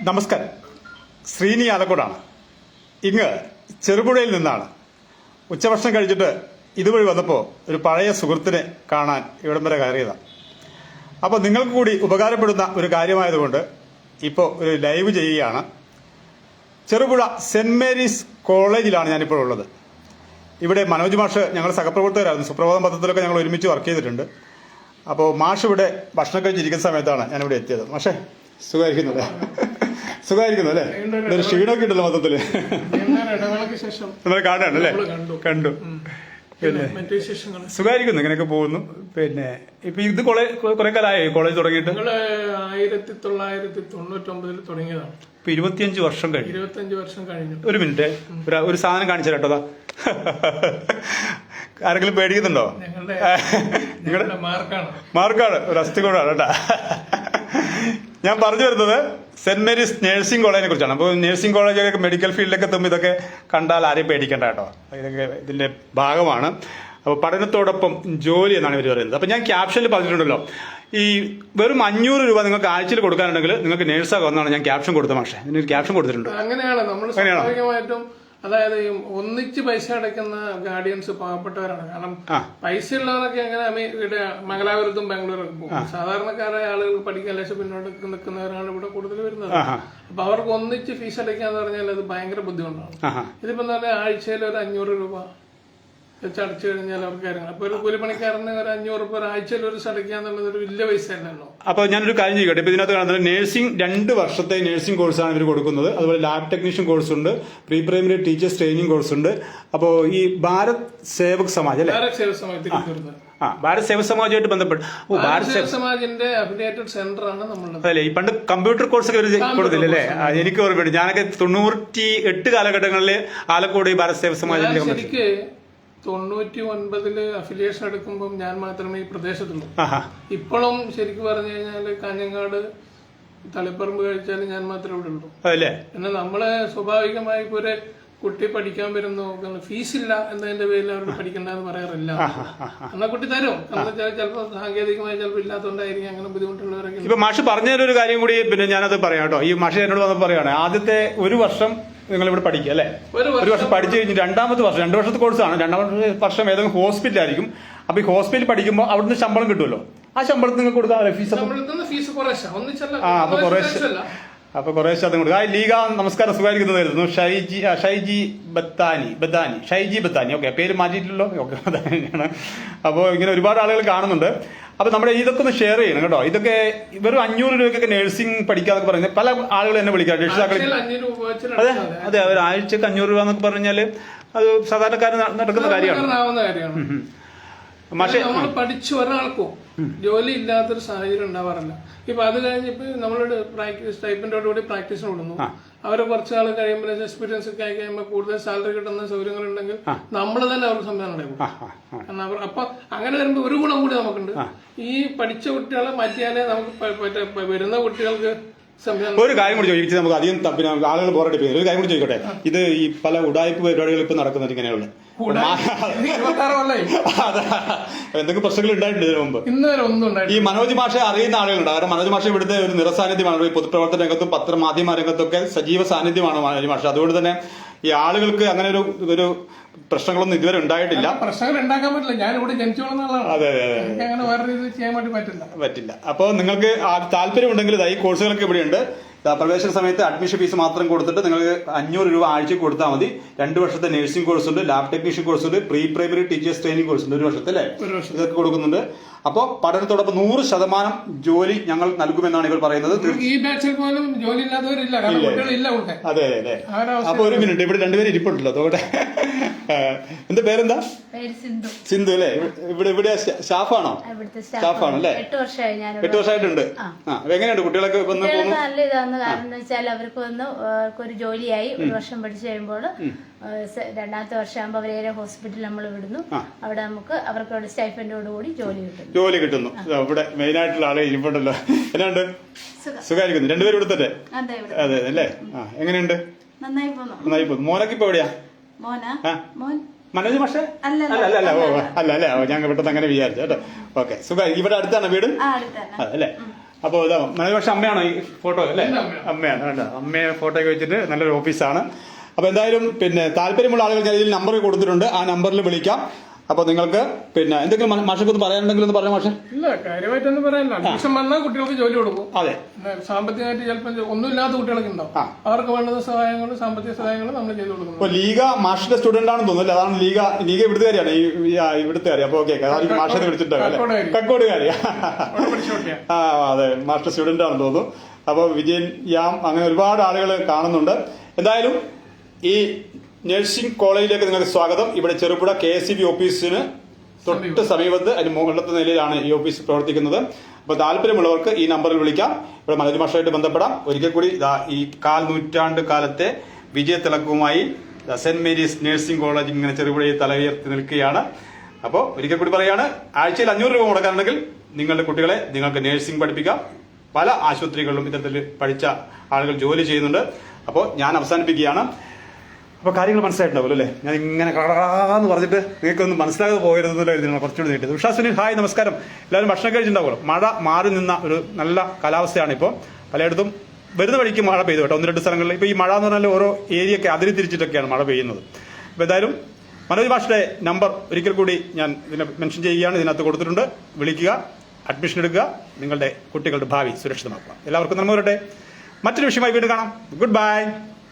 നമസ്കാരം. ശ്രീനി ആലക്കോടാണ്. ഇങ്ങ് ചെറുപുഴയിൽ നിന്നാണ്. ഉച്ചഭക്ഷണം കഴിച്ചിട്ട് ഇതുവഴി വന്നപ്പോൾ ഒരു പഴയ സുഹൃത്തിനെ കാണാൻ ഇവിടം വരെ കയറിയതാണ്. അപ്പോൾ നിങ്ങൾക്ക് കൂടി ഉപകാരപ്പെടുന്ന ഒരു കാര്യമായതുകൊണ്ട് ഇപ്പോൾ ഒരു ലൈവ് ചെയ്യുകയാണ്. ചെറുപുഴ സെന്റ് മേരീസ് കോളേജിലാണ് ഞാനിപ്പോൾ ഉള്ളത്. ഇവിടെ മനോജ് മാഷ് ഞങ്ങൾ സഹപ്രവർത്തകരായിരുന്നു. സുപ്രഭാതം പത്രത്തിലൊക്കെ ഞങ്ങൾ ഒരുമിച്ച് വർക്ക് ചെയ്തിട്ടുണ്ട്. അപ്പോൾ മാഷ് ഇവിടെ ഭക്ഷണം കഴിച്ചിരിക്കുന്ന സമയത്താണ് ഞാനിവിടെ എത്തിയത്. മാഷേ, സുഖമായിരിക്കുന്നല്ലേ? സുഖമായിരിക്കുന്നു അല്ലേ? ഒരു ക്ഷീണമൊക്കെ ഉണ്ടല്ലോ മൊത്തത്തില്. നമ്മളെ കാണാണല്ലേ? കണ്ടു. പിന്നെ സുഖമായിരിക്കുന്നു, ഇങ്ങനെയൊക്കെ പോകുന്നു. പിന്നെ ഇപ്പൊ ഇത് കുറെ കാലമായി കോളേജ് തുടങ്ങിയിട്ട്? 1999 തുടങ്ങിയതാണ്. ഇപ്പൊ 25 വർഷം കഴിഞ്ഞു. 25 വർഷം കഴിഞ്ഞു. ഒരു മിനിറ്റ്, ഒരു സാധനം കാണിച്ചു കേട്ടോ. ആരെങ്കിലും പേടിക്കുന്നുണ്ടോ? ഞങ്ങളുടെ മാർക്കാണ്, ഒരു അസ്ഥികൂടാണ് കേട്ടാ. ഞാൻ പറഞ്ഞു വരുന്നത് സെന്റ് മേരീസ് നഴ്സിംഗ് കോളേജിനെ കുറിച്ചാണ്. അപ്പോൾ നഴ്സിംഗ് കോളേജൊക്കെ മെഡിക്കൽ ഫീൽഡിലൊക്കെ എത്തുമ്പോൾ ഇതൊക്കെ കണ്ടാൽ ആരെയും പേടിക്കേണ്ട കേട്ടോ. ഇതൊക്കെ ഇതിന്റെ ഭാഗമാണ്. അപ്പോൾ പഠനത്തോടൊപ്പം ജോലി എന്നാണ് ഇവർ പറയുന്നത്. അപ്പോൾ ഞാൻ ക്യാപ്ഷനിൽ പറഞ്ഞിട്ടുണ്ടല്ലോ, ഈ വെറും 500 രൂപ നിങ്ങൾക്ക് ആഴ്ചയിൽ കൊടുക്കാനുണ്ടെങ്കിൽ നിങ്ങൾക്ക് നേഴ്സാകാമെന്നാണ് ഞാൻ ക്യാപ്ഷൻ കൊടുത്തത്. പക്ഷേ ഇതിനൊരു ക്യാപ്ഷൻ കൊടുത്തിട്ടുണ്ട്. അങ്ങനെയാണ് നമ്മൾ സ്വാഭാവികമായിട്ടും. അതായത് ഒന്നിച്ച് പൈസ അടയ്ക്കുന്ന ഗാർഡിയൻസ് പാവപ്പെട്ടവരാണ്. കാരണം പൈസ ഉള്ളവരൊക്കെ എങ്ങനെ ഇവിടെ മംഗലാപുരത്തും ബാംഗ്ലൂരൊക്കെ പോകും. സാധാരണക്കാരായ ആളുകൾക്ക് പഠിക്കാൻ ലക്ഷം പിന്നോട്ട് നിൽക്കുന്നവരാണ് ഇവിടെ കൂടുതൽ വരുന്നത്. അപ്പൊ അവർക്ക് ഒന്നിച്ച് ഫീസ് അടയ്ക്കാന്ന് പറഞ്ഞാൽ അത് ഭയങ്കര ബുദ്ധിമുട്ടാണ്. ഇതിപ്പോ എന്താ പറയുക, ആഴ്ചയിൽ ഒരു 500 രൂപ വെച്ച് അടച്ചു കഴിഞ്ഞാൽ അവർക്ക് കാര്യങ്ങൾ. അപ്പൊ ഒരു കൂലിപ്പണിക്കാരന് ഒരു 500 രൂപ ഒരാഴ്ചയിൽ ഒരു അടയ്ക്കുക എന്നുള്ളത് ഒരു വലിയ പൈസ അല്ലല്ലോ. അപ്പൊ ഞാനൊരു കാര്യം ചെയ്യട്ടെ. ഇപ്പൊ ഇതിനകത്ത് കാണുന്നത് നഴ്സിംഗ് 2 വർഷത്തെ നഴ്സിംഗ് കോഴ്സാണ് ഇവർ കൊടുക്കുന്നത്. അതുപോലെ ലാബ് ടെക്നീഷ്യൻ കോഴ്സ് ഉണ്ട്, pre primary teachers training course ഉണ്ട്. അപ്പോ ഈ ഭാരത് സേവക് സമാജ് അല്ലെ? ഭാരത് സേവക് സമാജ് ഭാരത് സേവക് സമാജുമായിട്ട് ബന്ധപ്പെട്ട് ഭാരത് സേവക് സമാജിന്റെ അഫിലിയേറ്റഡ് സെന്റർ ആണ് നമ്മളുടെ. അല്ലേ, ഈ പണ്ട് കമ്പ്യൂട്ടർ കോഴ്സ് ഒക്കെ കൊടുത്തില്ല അല്ലേ? എനിക്ക് ഓർമ്മയുണ്ട്. ഞാനൊക്കെ 98 കാലഘട്ടങ്ങളിൽ ആലക്കോട് ഈ ഭാരത് സേവക് സമാജിന്റെ 99 അഫിലിയേഷൻ എടുക്കുമ്പോൾ ഞാൻ മാത്രമേ ഈ പ്രദേശത്തുള്ളൂ. ഇപ്പോഴും ശരിക്കും പറഞ്ഞു കഴിഞ്ഞാൽ കാഞ്ഞങ്ങാട് തളിപ്പറമ്പ് കഴിച്ചാലും ഞാൻ മാത്രമേ ഇവിടെ ഉള്ളൂ. എന്നാൽ നമ്മള് സ്വാഭാവികമായി ഇപ്പൊ ഒരു കുട്ടി പഠിക്കാൻ വരുന്നു, ഫീസ് ഇല്ല എന്നതിന്റെ പേരിൽ അവർക്ക് പഠിക്കണ്ടെന്ന് പറയാറില്ല. എന്നാൽ കുട്ടി തരും. എന്താ വെച്ചാൽ ചിലപ്പോൾ സാങ്കേതികമായി ചിലപ്പോൾ ഇല്ലാത്തതുകൊണ്ടായിരിക്കും അങ്ങനെ ബുദ്ധിമുട്ടുള്ളവരൊക്കെ. ഇപ്പൊ മാഷ് പറഞ്ഞൊരു കാര്യം കൂടി പിന്നെ ഞാനത് പറയാം കേട്ടോ. ഈ മാഷ് എന്നോട് വന്ന് പറയാണ്, ആദ്യത്തെ ഒരു വർഷം നിങ്ങൾ ഇവിടെ പഠിക്കുക അല്ലെ? ഒരു വർഷം പഠിച്ചു കഴിഞ്ഞ് 2ാമത്തെ വർഷം 2 വർഷത്തെ കോഴ്സാണ്. 2ാമത്തെ വർഷം ഏതെങ്കിലും ഹോസ്പിറ്റലായിരിക്കും. അപ്പൊ ഈ ഹോസ്പിറ്റലിൽ പഠിക്കുമ്പോൾ അവിടുന്ന് ശമ്പളം കിട്ടുമല്ലോ. ആ ശമ്പളത്തിൽ നിങ്ങൾക്ക് കൊടുക്കാം ഫീസ്. അപ്പൊ കുറേശ്ശെ അതും കൊടുക്കുക. ലീഗ നമസ്കാരം, സുഖമായിരിക്കുന്നതായിരുന്നു. ഷൈജി ബത്താനി. ഓക്കെ, പേര് മാറ്റിയിട്ടില്ലല്ലോ. ഓക്കെ, അതാണ്. അപ്പോൾ ഇങ്ങനെ ഒരുപാട് ആളുകൾ കാണുന്നുണ്ട്. അപ്പൊ നമ്മുടെ ഇതൊക്കെ ഒന്ന് ഷെയർ ചെയ്യണം കേട്ടോ. ഇതൊക്കെ വെറും 500 രൂപയ്ക്കൊക്കെ നഴ്സിംഗ് പഠിക്കാന്നൊക്കെ പറയുന്നത് പല ആളുകൾ എന്നെ വിളിക്കാം, രക്ഷിതാക്കൾ. അതെ, ഒരു ആഴ്ചക്ക് 500 രൂപ എന്നൊക്കെ പറഞ്ഞാല് അത് സാധാരണക്കാരൻ നടക്കുന്ന കാര്യമാണ്. പക്ഷേ നമ്മൾ പഠിച്ച ഒരാൾക്കോ ജോലി ഇല്ലാത്തൊരു സാഹചര്യം ഉണ്ടാവാറില്ല. ഇപ്പൊ അത് കഴിഞ്ഞ് ഇപ്പൊ നമ്മളോട് സ്റ്റൈപ്പൻഡോടുകൂടി പ്രാക്ടീസിന് വിടുന്നു. അവരെ കുറച്ച് നാൾ കഴിയുമ്പോൾ എക്സ്പീരിയൻസ് ഒക്കെ ആയി കഴിയുമ്പോൾ കൂടുതൽ സാലറി കിട്ടുന്ന സൗകര്യങ്ങൾ ഉണ്ടെങ്കിൽ നമ്മൾ തന്നെ അവർക്ക് സംവിധാനം ഉണ്ടാക്കും. കാരണം അപ്പൊ അങ്ങനെ വരുമ്പോൾ ഒരു ഗുണം കൂടി നമുക്കുണ്ട്. ഈ പഠിച്ച കുട്ടികളെ മാറ്റിയാലേ നമുക്ക് വരുന്ന കുട്ടികൾക്ക് ഒരു കാര്യം കൂടി ചോദിച്ചു. നമുക്ക് അധികം പിന്നെ ആളുകൾ ബോറടിപ്പിക്കുന്നത് ഒരു കാര്യം കൂടി ചോദിക്കട്ടെ. ഇത് ഈ പല ഉടായ്പ പരിപാടികൾ ഇപ്പൊ നടക്കുന്നത് ഇങ്ങനെയുള്ള എന്തൊക്കെ പ്രശ്നങ്ങൾ ഉണ്ടായിട്ടുണ്ട് ഇതിനു മുമ്പ്? ഈ മനോജ് മാഷെ അറിയുന്ന ആളുകളുണ്ട്. കാരണം മനോജ് മാഷ ഇവിടുത്തെ ഒരു നിറസാന്നിധ്യമാണ്. ഈ പൊതുപ്രവർത്തന രംഗത്തും പത്രമാധ്യമ രംഗത്തൊക്കെ സജീവ സാന്നിധ്യമാണ് മനോജ് മാഷ. അതുകൊണ്ട് തന്നെ ഈ ആളുകൾക്ക് അങ്ങനെ ഒരു പ്രശ്നങ്ങളൊന്നും ഇതുവരെ ഉണ്ടായിട്ടില്ല. പ്രശ്നങ്ങൾ ഉണ്ടാക്കാൻ പറ്റില്ല. ഞാൻ ഇവിടെ ജനിച്ചു വളർന്ന ആളാണ്. അതെ, അങ്ങനെ വേറെ രീതിയിൽ ചെയ്യാൻ വേണ്ടി പറ്റില്ല. അപ്പോൾ നിങ്ങൾക്ക് താല്പര്യമുണ്ടെങ്കിൽ ഈ കോഴ്സുകളൊക്കെ ഇവിടെയുണ്ട്. പ്രവേശന സമയത്ത് അഡ്മിഷൻ ഫീസ് മാത്രം കൊടുത്തിട്ട് നിങ്ങൾക്ക് 500 രൂപ ആഴ്ച കൊടുത്താൽ മതി. 2 വർഷത്തെ നഴ്സിംഗ് കോഴ്സ് ഉണ്ട്, ലാബ് ടെക്നീഷ്യൻ കോഴ്സ് ഉണ്ട്, pre primary teachers training course ഉണ്ട്. 1 വർഷത്തെ അല്ലേ? ഇതൊക്കെ കൊടുക്കുന്നുണ്ട്. അപ്പോൾ പഠനത്തോടൊപ്പം 100% ജോലി ഞങ്ങൾ നൽകുമെന്നാണ് ഇവർ പറയുന്നത്. ഈ ബാച്ചിൽ പോലും ജോലി ഇല്ലാത്തവരില്ല. അതെ. അപ്പൊ ഒരു മിനിറ്റ്, ഇവിടെ 2 പേര് ഇരിപ്പുണ്ടല്ലോ. അതോടെ എന്താ പേരെന്താ? സിന്ധു അല്ലേ? ഇവിടെ സ്റ്റാഫാണോ? സ്റ്റാഫാണ് അല്ലേ? 8 വർഷമായിട്ടുണ്ട്. എങ്ങനെയുണ്ട് കുട്ടികളൊക്കെ? നല്ല ഇതാന്ന്. കാരണം എന്ന് വെച്ചാൽ അവർക്കൊരു ജോലിയായി. 1 വർഷം പഠിച്ചു കഴിയുമ്പോൾ 2ാമത്തെ വർഷമാകുമ്പോൾ അവരെ ഹോസ്പിറ്റലിൽ നമ്മൾ വിടുന്നു. അവിടെ നമുക്ക് അവർക്ക് സ്റ്റൈഫൻഡോടുകൂടി ജോലി കിട്ടുന്നു. ഇവിടെ മെയിൻ ആയിട്ടുള്ള ആളെ ഇരിപ്പുണ്ടല്ലോ. എന്നാണ്ട് സുഖമായിരിക്കുന്നു? 2 പേരും എടുത്തട്ടെ? അതെ അല്ലേ? എങ്ങനെയുണ്ട്? നന്നായി പോകുന്നു. മോനൊക്കെ ഇപ്പൊ എവിടെയാ? മനോജ് മാഷെ? അല്ല. ഞാൻ പെട്ടെന്ന് അങ്ങനെ വിചാരിച്ചു കേട്ടോ. ഓക്കെ, സുഖമായി. ഇവിടെ അടുത്താണ് വീട് അല്ലേ? അപ്പോൾ ഇതാ മനോജ് പക്ഷെ അമ്മയാണോ ഈ ഫോട്ടോ അല്ലേ? എന്റെ അമ്മയാണ്. അമ്മയാണ് വേണ്ട, അമ്മയെ ഫോട്ടോ ഒക്കെ വെച്ചിട്ട് നല്ലൊരു ഓഫീസാണ്. അപ്പോൾ എന്തായാലും പിന്നെ താല്പര്യമുള്ള ആളുകൾ ഞാൻ ഇതിൽ നമ്പർ കൊടുത്തിട്ടുണ്ട്, ആ നമ്പറിൽ വിളിക്കാം. അപ്പോൾ നിങ്ങൾക്ക് പിന്നെ എന്തെങ്കിലും മാഷൊക്കെ ഒന്ന് പറയാനുണ്ടെങ്കിൽ ഒന്ന് പറയാം മാഷെ. ഇല്ല, കാര്യമായിട്ടൊന്നും പറയാനില്ല. അഡ്മിഷൻ വന്നാൽ കുട്ടികൾക്ക് ജോലി കൊടുക്കും. അതെ, സാമ്പത്തികമായിട്ട് ചിലപ്പോൾ ഒന്നുമില്ലാത്ത കുട്ടികളൊക്കെ ഉണ്ടാവും. അവർക്ക് വേണ്ടുന്ന സഹായങ്ങളും സാമ്പത്തിക സഹായങ്ങളും നമ്മൾ ചെയ്തു കൊടുക്കുന്നു. അപ്പോൾ ലീഗ മാഷിന്റെ സ്റ്റുഡന്റ് ആണെന്ന് തോന്നുന്നില്ല, അതാണ് ലീഗ ഇവിടുത്തെ കാര്യമാണ്, ഇവിടുത്തെ കാര്യം. അപ്പോൾ ഓക്കെ, അതായിരിക്കും മാഷെ വിളിച്ചിട്ടുണ്ടാവും, കക്കോടുകാരി. ആ അതെ, മാസ്റ്റർ സ്റ്റുഡന്റ് ആണെന്ന് തോന്നുന്നു. അപ്പോൾ വിജയൻ യാം അങ്ങനെ ഒരുപാട് ആളുകൾ കാണുന്നുണ്ട്. എന്തായാലും ഈ നഴ്സിംഗ് കോളേജിലേക്ക് നിങ്ങൾക്ക് സ്വാഗതം. ഇവിടെ ചെറുപുഴ KSEB ഓഫീസിന് തൊട്ട് സമീപത്ത് അതിന് മുകളിലത്തെ നിലയിലാണ് ഈ ഓഫീസ് പ്രവർത്തിക്കുന്നത്. അപ്പോൾ താല്പര്യമുള്ളവർക്ക് ഈ നമ്പറിൽ വിളിക്കാം, ഇവിടെ മനോജ് മാഷായിട്ട് ബന്ധപ്പെടാം. ഒരിക്കൽ കൂടി ഈ 1/4 നൂറ്റാണ്ട് കാലത്തെ വിജയത്തിളക്കവുമായി സെന്റ് മേരീസ് നഴ്സിംഗ് കോളേജ് ഇങ്ങനെ ചെറുപുഴയിൽ തലയുയർത്തി നിൽക്കുകയാണ്. അപ്പോൾ ഒരിക്കൽ കൂടി പറയാണ്, ആഴ്ചയിൽ 500 രൂപ മുടക്കാനുണ്ടെങ്കിൽ നിങ്ങളുടെ കുട്ടികളെ നിങ്ങൾക്ക് നഴ്സിംഗ് പഠിപ്പിക്കാം. പല ആശുപത്രികളിലും ഇത്തരത്തിൽ പഠിച്ച ആളുകൾ ജോലി ചെയ്യുന്നുണ്ട്. അപ്പോൾ ഞാൻ അവസാനിപ്പിക്കുകയാണ്. അപ്പോൾ കാര്യങ്ങൾ മനസ്സിലായിട്ടുണ്ടാവുമല്ലോ അല്ലേ? ഞാൻ ഇങ്ങനെ കടാന്ന് പറഞ്ഞിട്ട് നിങ്ങൾക്കൊന്നും മനസ്സിലാകാതെ പോകരുതെന്നല്ലോ എഴുതുന്നത്, കുറച്ചുകൂടി നീട്ടിയത്. ഉഷാ സുനിൽ ഹായ്, നമസ്കാരം. എല്ലാവരും ഭക്ഷണം കഴിച്ചിട്ടുണ്ടാവുമല്ലോ. മഴ മാറി നിന്ന ഒരു നല്ല കാലാവസ്ഥയാണ് ഇപ്പോൾ. പലയിടത്തും വരുന്ന വഴിക്ക് മഴ പെയ്തു കേട്ടോ, 1-2 സ്ഥലങ്ങളിൽ. ഇപ്പോൾ ഈ മഴ എന്ന് പറഞ്ഞാൽ ഓരോ ഏരിയയൊക്കെ അതിരി തിരിച്ചിട്ടൊക്കെയാണ് മഴ പെയ്യുന്നത്. അപ്പോൾ എന്തായാലും മനോജ് മാഷിന്റെ നമ്പർ ഒരിക്കൽ കൂടി ഞാൻ ഇതിനെ മെൻഷൻ ചെയ്യുകയാണ്, ഇതിനകത്ത് കൊടുത്തിട്ടുണ്ട്. വിളിക്കുക, അഡ്മിഷൻ എടുക്കുക, നിങ്ങളുടെ കുട്ടികളുടെ ഭാവി സുരക്ഷിതമാക്കുക. എല്ലാവർക്കും നന്മ വരട്ടെ. മറ്റൊരു വിഷയമായി വീണ്ടും കാണാം. Good by.